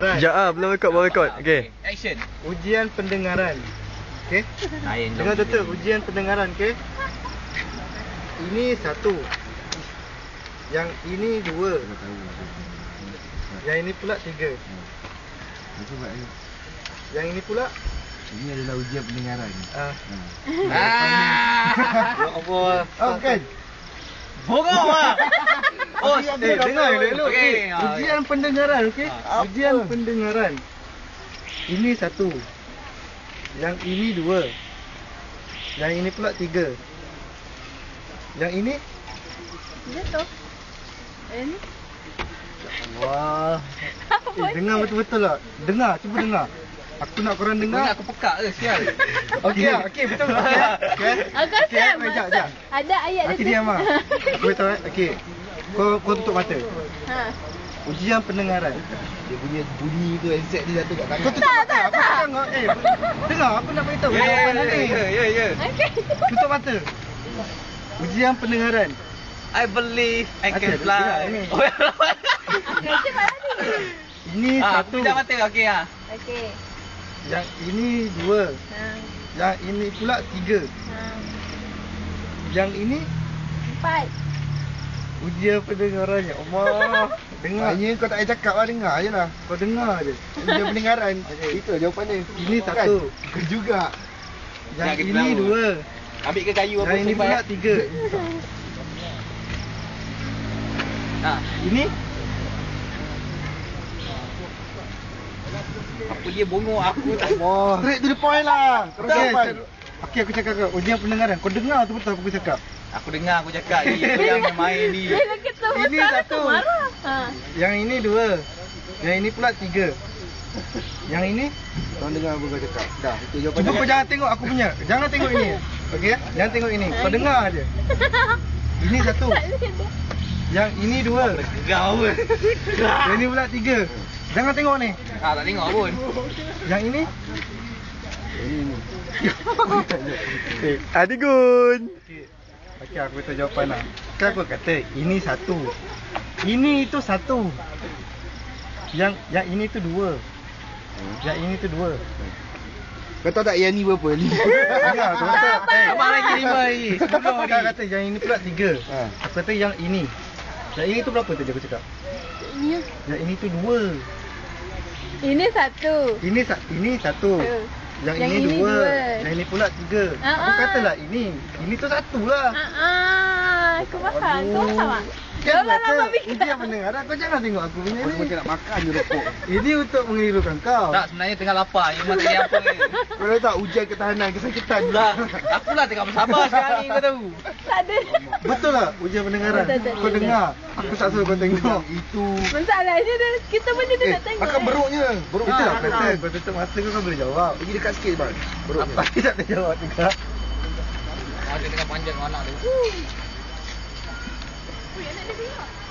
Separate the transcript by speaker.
Speaker 1: Sekejap belum rekod, baru rekod. Okey.
Speaker 2: Action.
Speaker 3: Ujian pendengaran. Okey. Dengar betul ujian pendengaran, okey. Ini satu. Yang ini dua. Yang ini pula tiga. Yang ini pula
Speaker 4: ini adalah ujian pendengaran.
Speaker 3: Ya Allah.
Speaker 4: Oh kan?
Speaker 2: Bongong ah.
Speaker 3: Oh, dengar elok.
Speaker 2: Okey.
Speaker 3: Ujian pendengaran, okey? Ujian pendengaran. Ini satu. Yang ini dua. Yang ini pula tiga. Yang ini?
Speaker 5: Jatuh. Ini?
Speaker 3: Wah. Dengar betul-betul lah. Dengar, cuba dengar. Aku nak korang dengar.
Speaker 2: Aku pekak ke sial.
Speaker 3: Okey, okey betul. Okey.
Speaker 5: Aku rasa
Speaker 3: Jap.
Speaker 5: ada ayat
Speaker 3: Okey diam ah. Aku tahu okey. Kau tutup mata.
Speaker 5: Ha.
Speaker 3: Ujian pendengaran.
Speaker 4: Dia punya bunyi tu headset dia jatuh kat tangan.
Speaker 3: Kau tutup mata. Aku tengok. Dengar aku nak beritahu. Jawapan nanti.
Speaker 2: Ya.
Speaker 5: Okey.
Speaker 3: Tutup mata. Ujian pendengaran.
Speaker 2: I believe I can
Speaker 3: Okey,
Speaker 2: fly.
Speaker 3: dengar ini.
Speaker 5: Okey, cepat lagi.
Speaker 3: Ini satu.
Speaker 2: Pejam mata. Okey ah.
Speaker 5: Okey.
Speaker 3: Yang ini dua.
Speaker 5: Ha.
Speaker 3: Yang ini pula tiga.
Speaker 5: Ha.
Speaker 3: Yang ini
Speaker 5: Empat.
Speaker 3: ujian pendengaran. Ya Allah. Dengar.
Speaker 4: Hanya kau tak payah cakap lah, dengar je lah.
Speaker 3: Kau dengar je.
Speaker 4: Ujian pendengaran. Itu jawapan dia.
Speaker 3: Ini satu.
Speaker 4: Kau juga.
Speaker 3: Yang
Speaker 2: Yang
Speaker 3: ini
Speaker 2: kedua.
Speaker 3: dua.
Speaker 2: Ambil ke kayu apa
Speaker 3: Yang ini
Speaker 2: simpan?
Speaker 3: pula tiga.
Speaker 2: Ha.
Speaker 3: Ini
Speaker 2: Apa dia bongong aku tak.
Speaker 3: wah.
Speaker 4: Straight to the point lah. Terus jawapan.
Speaker 3: Okey aku cakap kau ujian pendengaran. Kau dengar tu betul apa aku cakap?
Speaker 2: Aku dengar aku cakap ni. Itu yang main ni.
Speaker 5: Bila kita
Speaker 3: Ini
Speaker 5: besar
Speaker 3: satu.
Speaker 5: tu marah. Ha.
Speaker 3: Yang ini dua. Yang ini pula tiga. Yang ini
Speaker 4: Kau dengar apa kau cakap. Dah, itu jawapan
Speaker 3: cuba
Speaker 4: dia.
Speaker 3: kau jangan tengok aku punya. Jangan tengok ini. Okey? Jangan tengok ini. Kau dengar je. Ini satu. Yang ini dua.
Speaker 2: Kau pun.
Speaker 3: Yang ini pula tiga. Jangan tengok ni.
Speaker 2: Tak tengok pun.
Speaker 3: Yang ini
Speaker 4: Ini.
Speaker 1: Adigun.
Speaker 3: okey aku beritahu jawapan lah. Kan aku kata ini satu. Ini itu satu. Yang ini tu dua. Yang ini tu dua.
Speaker 4: Kau tahu tak yang ni berapa?
Speaker 3: Dengar tu betul.
Speaker 2: Abang lagi 5 lagi.
Speaker 3: Aku kata yang ini pula tiga.
Speaker 4: Ha.
Speaker 3: Aku kata yang ini. Yang ini tu berapa tadi aku cakap?
Speaker 5: Ini.
Speaker 3: Yang ini tu dua.
Speaker 5: Ini satu.
Speaker 3: Ini satu. Yang ini dua. Yang ini pula tiga. Aku katalah ini. Ini tu satu lah.
Speaker 5: Aku faham. Kau faham tak?
Speaker 3: Kan
Speaker 5: Jangan
Speaker 3: kata
Speaker 5: lama fikir.
Speaker 3: ujian pendengaran. Kau jangan tengok aku punya
Speaker 4: Kau
Speaker 3: ni.
Speaker 4: macam nak makan je rokok.
Speaker 3: Ini untuk mengirukan kau.
Speaker 2: Tak, sebenarnya tengah lapar. Memang tak ada apa ni.
Speaker 4: Kau tahu tak ujian ketahanan kesakitan.
Speaker 2: Tak. Akulah tengah bersabar sekarang ni kau tahu.
Speaker 5: Tak ada.
Speaker 3: Betul lah ujian pendengaran.
Speaker 5: Betul.
Speaker 3: Kau dengar. Aku tak suruh kau tengok.
Speaker 4: Itu.
Speaker 5: Masalahnya dia, kita pun jadi nak tengok.
Speaker 4: makan beruknya. Beruk
Speaker 3: Itu lah
Speaker 4: makan.
Speaker 3: kata. Kau tutup mata kau boleh jawab.
Speaker 4: Pergi dekat sikit bang. Beruknya.
Speaker 3: Apa tak boleh jawab juga.
Speaker 2: Ada tengah panjang anak tu.
Speaker 5: Ui, anak dia tengok.